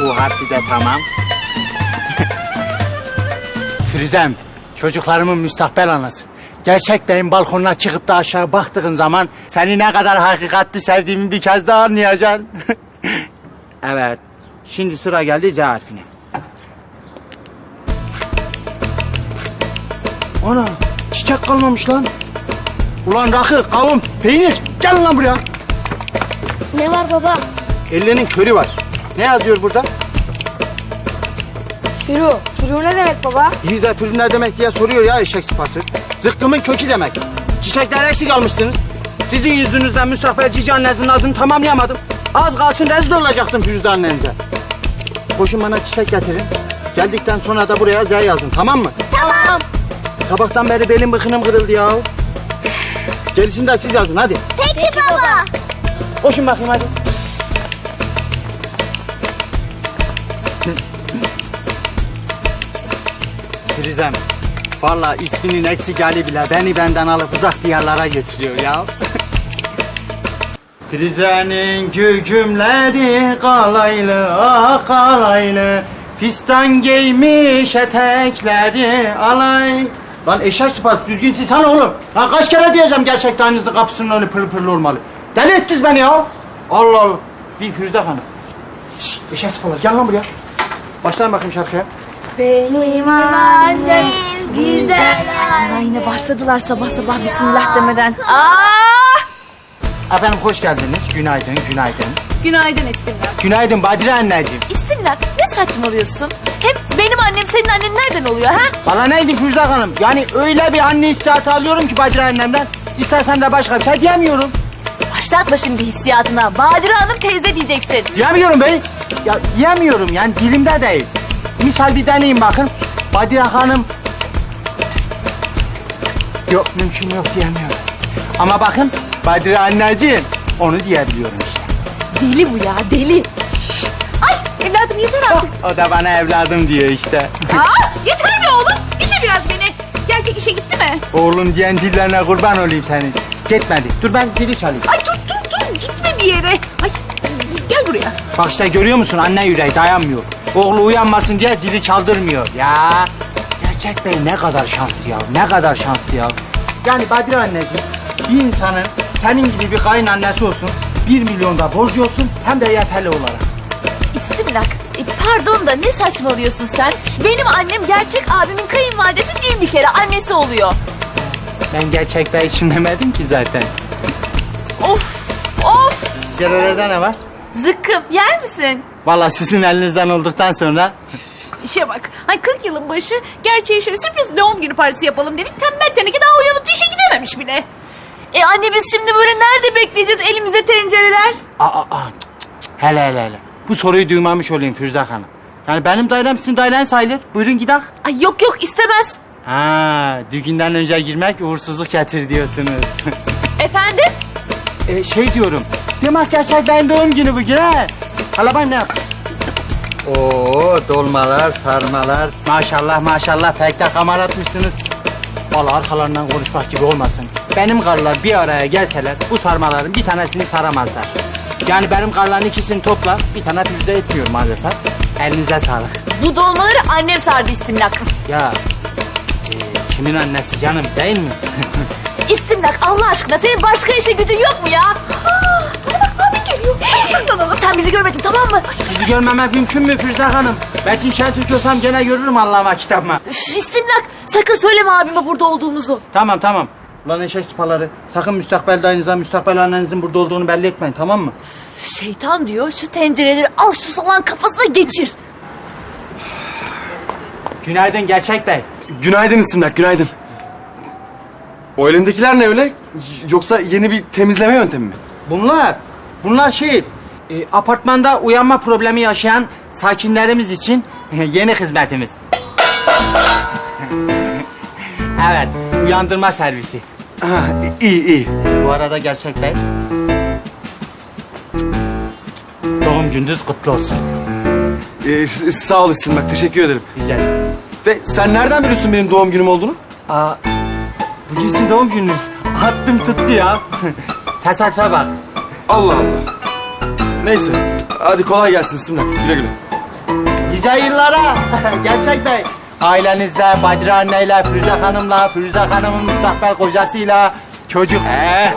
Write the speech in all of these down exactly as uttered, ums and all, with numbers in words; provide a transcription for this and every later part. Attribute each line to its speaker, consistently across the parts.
Speaker 1: U harfi de tamam. Firuzem, çocuklarımın müstakbel anası. Gerçek beyin balkonuna çıkıp da aşağı baktığın zaman seni ne kadar hakikatli sevdiğimi bir kez daha anlayacaksın. Evet, şimdi sıra geldi Z harfine. Ana, çiçek kalmamış lan. Ulan rakı, kavun, peynir, gel lan buraya.
Speaker 2: Ne var baba?
Speaker 1: Ellerinin körü var. Ne yazıyor burada?
Speaker 2: Firu. Firu ne demek baba?
Speaker 1: Bir de pürü ne demek diye soruyor ya eşek sıpası. Zıkkımın kökü demek. Çiçekler eksik almışsınız. Sizin yüzünüzden müstakbel cici annenizin adını tamamlayamadım. Az kalsın rezil olacaktım Firuze annenize. Koşun bana çiçek getirin. Geldikten sonra da buraya Z yazın, tamam mı?
Speaker 2: Tamam.
Speaker 1: Sabahtan beri belim bıkınım kırıldı ya. Gerisini de siz yazın hadi.
Speaker 2: Peki, Peki baba. baba.
Speaker 1: Koşun bakayım hadi. Firuzem, vallahi isminin eksik hali bile beni benden alıp uzak diyarlara götürüyor ya. Firuze'nin gügümleri kalaylı, ah kalaylı. Fistan giymiş etekleri alay. Lan eşek sıpası düzgün silsene oğlum. Lan kaç kere diyeceğim gerçekten aynınızda kapısının önü pırıl pırıl olmalı. Deli ettiniz beni ya. Allah Allah. Bir Firuze Hanım. Şşş eşek sıpalar gel lan buraya. Başlayın bakayım şarkıya.
Speaker 2: Benim annem güzel.
Speaker 3: Aa, yine başladılar sabah sabah bismillah demeden. Aa!
Speaker 1: Efendim hoş geldiniz. Günaydın, günaydın.
Speaker 3: Günaydın İstimlak.
Speaker 1: Günaydın Badire anneciğim.
Speaker 3: İstimlak ne saçmalıyorsun? Hem benim annem senin annen nereden oluyor ha?
Speaker 1: Bana neydi Firuze Hanım? Yani öyle bir anne hissiyatı alıyorum ki Badire annemden. İstersen de başka bir şey diyemiyorum.
Speaker 3: Başlatma şimdi hissiyatına. Badire Hanım teyze diyeceksin.
Speaker 1: Diyemiyorum bey. Ya diyemiyorum yani dilimde değil. Misal bir deneyin bakın. Badire Hanım... Yok mümkün yok diyemiyorum. Ama bakın Badire anneciğim onu diyebiliyorum işte.
Speaker 3: Deli bu ya deli. Şşt! Ay evladım yeter artık.
Speaker 1: O da bana evladım diyor işte.
Speaker 3: Aa, yeter mi oğlum? Dinle biraz beni. Gerçek işe gitti mi?
Speaker 1: Oğlum diyen dillerine kurban olayım senin. Gitmedi. Dur ben zili çalayım.
Speaker 3: Ay dur dur dur gitme bir yere. Ay gel buraya.
Speaker 1: Bak işte görüyor musun anne yüreği dayanmıyor. Oğlu uyanmasın diye zili çaldırmıyor. Ya gerçek bey ne kadar şanslı ya. Ne kadar şanslı ya. Yani Badire anneciğim bir insanın senin gibi bir kayınannesi olsun. Bir milyonda borcu olsun hem de yeterli olarak.
Speaker 3: İstimlak e, pardon da ne saçmalıyorsun sen? Benim annem gerçek abimin kayınvalidesi değil bir kere annesi oluyor.
Speaker 1: Ben gerçek bey için demedim ki zaten.
Speaker 3: Of of.
Speaker 1: Yerelerde ne var?
Speaker 3: Zıkkım yer misin?
Speaker 1: Vallahi sizin elinizden olduktan sonra...
Speaker 4: İşe bak. Ay kırk yılın başı gerçeği şöyle sürpriz doğum günü partisi yapalım dedik. Tembel teneke daha uyanıp da işe gidememiş bile.
Speaker 3: E anne biz şimdi böyle nerede bekleyeceğiz elimize tencereler?
Speaker 1: Aa, aa. Hele hele hele. Bu soruyu duymamış olayım Firuze Hanım. Yani benim dairem sizin dairen sayılır. Buyurun gidelim.
Speaker 3: Ay yok yok istemez.
Speaker 1: Ha, düğünden önce girmek uğursuzluk getir diyorsunuz.
Speaker 3: Efendim?
Speaker 1: e, şey diyorum. Demek gerçek benim doğum günü bugün ha. Hala ben ne yapayım? Oo, dolmalar, sarmalar. Maşallah maşallah pek de kamar atmışsınız. Vallahi arkalarından konuşmak gibi olmasın. Benim karılar bir araya gelseler bu sarmaların bir tanesini saramazlar. Yani benim karıların ikisini topla bir tane pizza etmiyor maalesef. Elinize sağlık.
Speaker 3: Bu dolmaları annem sardı İstimlak.
Speaker 1: Ya e, kimin annesi canım değil mi?
Speaker 3: İstimlak Allah aşkına senin başka işe gücün yok mu ya? Aa, bana bak abi geliyor. Çabuk saklanalım. Sen bizi görmedin tamam mı?
Speaker 1: Sizi görmemek mümkün mü Firuze Hanım? Metin Şentürk olsam gene görürüm Allah'ıma kitabıma.
Speaker 3: Üf, İstimlak sakın söyleme abime burada olduğumuzu.
Speaker 1: Tamam tamam. Ulan eşek sıpaları. Sakın müstakbel dayınıza, müstakbel annenizin burada olduğunu belli etmeyin tamam mı?
Speaker 3: Şeytan diyor şu tencereleri al şu salağın kafasına geçir.
Speaker 1: Günaydın Gerçek Bey.
Speaker 5: Günaydın İstimlak, günaydın. O elindekiler ne öyle? Yoksa yeni bir temizleme yöntemi mi?
Speaker 1: Bunlar, bunlar şey, e, apartmanda uyanma problemi yaşayan sakinlerimiz için yeni hizmetimiz. Evet, uyandırma servisi.
Speaker 5: Ha, iyi iyi.
Speaker 1: Bu arada Gerçek Bey, doğum gününüz kutlu olsun.
Speaker 5: Ee, s- sağ ol İstimlak, teşekkür ederim.
Speaker 1: Rica ederim.
Speaker 5: Ve sen nereden biliyorsun benim doğum günüm olduğunu?
Speaker 1: Aa, bugün sizin doğum gününüz. Attım tuttu ya. Tesadüfe bak.
Speaker 5: Allah Allah. Neyse, hadi kolay gelsin İstimlak, güle güle.
Speaker 1: nice yıllara. Gerçek Bey. Ailenizle, Badire anneyle, Firuze Hanım'la, Firuze Hanım'ın müstakbel kocasıyla, çocuk...
Speaker 5: Ee,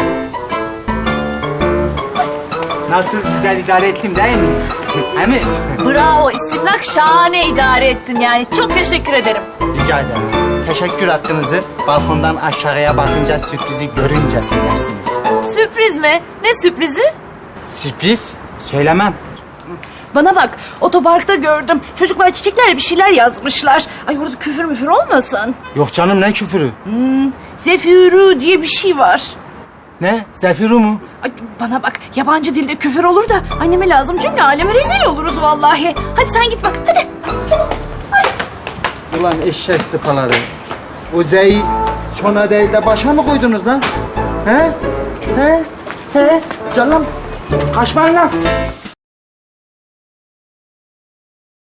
Speaker 1: Nasıl güzel idare ettim değil mi? He mi?
Speaker 3: Bravo İstimlak, şahane idare ettin yani. Çok teşekkür ederim.
Speaker 1: Rica ederim. Teşekkür hakkınızı balkondan aşağıya bakınca sürprizi görünce söylersiniz.
Speaker 3: Sürpriz mi? Ne sürprizi?
Speaker 1: Sürpriz? Söylemem.
Speaker 4: Bana bak, otoparkta gördüm. Çocuklar çiçeklerle bir şeyler yazmışlar. Ay orada küfür müfür olmasın.
Speaker 1: Yok canım, ne küfürü?
Speaker 4: Zefürü diye bir şey var.
Speaker 1: Ne? Zefiru mu?
Speaker 4: Ay, bana bak, yabancı dilde küfür olur da anneme lazım, cümle aleme rezil oluruz vallahi. Hadi sen git bak, hadi.
Speaker 1: Ulan eşek sıpaları. O Z'yi sona değil de başa mı koydunuz lan? He? He? He? Canım. Kaçmayın lan.